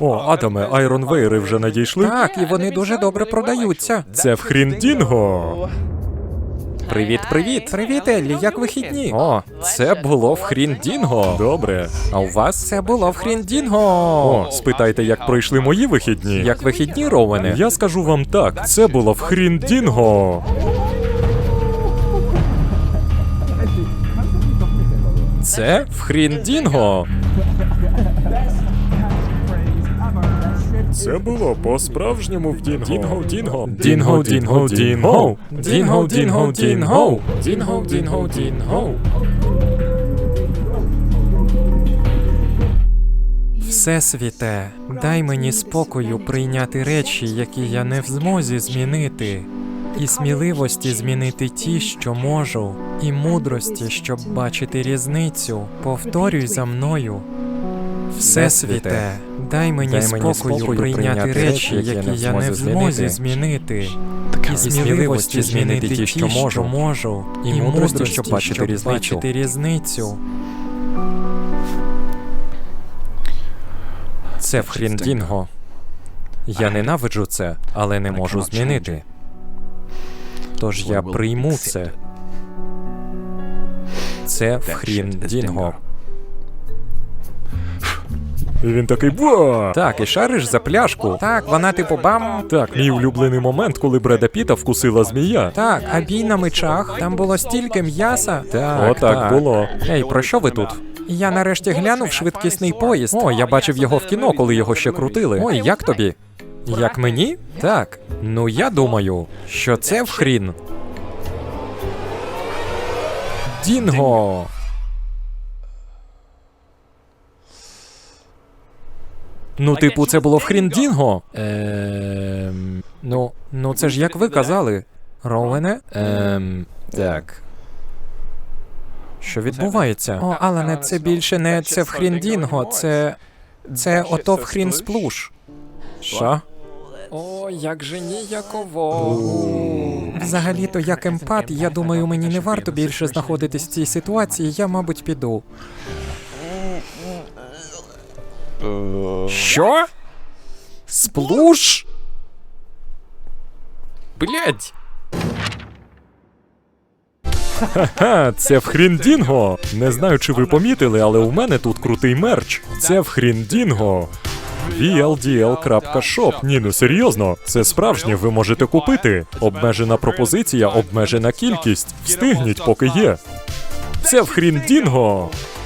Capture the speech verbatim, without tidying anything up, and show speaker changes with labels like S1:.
S1: О, Адаме, айронвейри вже надійшли?
S2: Так, і вони дуже добре продаються.
S1: Це в Хріндінго.
S2: Привіт-привіт. Привіт, Еллі, як вихідні?
S1: О, це було в Хріндінго. Добре. А у вас?
S2: Це було в Хріндінго.
S1: О, спитайте, як пройшли мої вихідні.
S2: Як вихідні, Роуене?
S1: Я скажу вам так, це було в Хріндінго. Це в Хріндінго. Це було по-справжньому в Дінго. Дінго, Дінго. Дінго, Дінго, Дінго. Дінго, Дінго, Дінго. Дінго, Дінго, Дінго.
S2: Всесвіте, дай мені спокою прийняти речі, які я не в змозі змінити, і сміливості змінити ті, що можу, і мудрості, щоб бачити різницю. Повторюй за мною. Всесвіте, дай мені,
S1: Дай мені
S2: спокою,
S1: спокою
S2: прийняти речі, які я не в змозі змінити, і сміливості змінити ті, що можу, можу, і мудрості, щоб бачити різницю. бачити різницю.
S1: Це в Хріндінго. Я ненавиджу це, але не можу змінити. Тож я прийму це. Це в Хріндінго. І він такий ба!
S2: Так, і шариш за пляшку. Так, вона типу бам.
S1: Так, мій улюблений момент, коли Бреда Піта вкусила змія.
S2: Так, а бій на мечах. Там було стільки м'яса. Так,
S1: Отак було.
S2: Ей, про що ви тут? Я нарешті глянув швидкісний поїзд. О, я бачив його в кіно, коли його ще крутили. Ой, як тобі? Як мені? Так. Ну я думаю, що це в хрін. Дінго.
S1: Ну, типу, це було в Хріндінго?
S2: Ем... Ну, ну це ж як ви казали. Роуене?
S1: Ем... Так.
S2: Що відбувається? О, Алане, це більше не це в Хріндінго, це... Це ото в Хрін Сплуш.
S1: Що?
S2: О, як же ніяково. Взагалі-то, як емпат, я думаю, мені не варто більше знаходитись в цій ситуації, я, мабуть, піду.
S1: Що? Сплуш? Блядь! Ха-ха, це в Хріндінго! Не знаю, чи ви помітили, але у мене тут крутий мерч. Це в Хріндінго. ві ел ді ел крапка шоп. Ні, ну серйозно, це справжнє, ви можете купити. Обмежена пропозиція, обмежена кількість. Встигніть, поки є. Це в Хріндінго!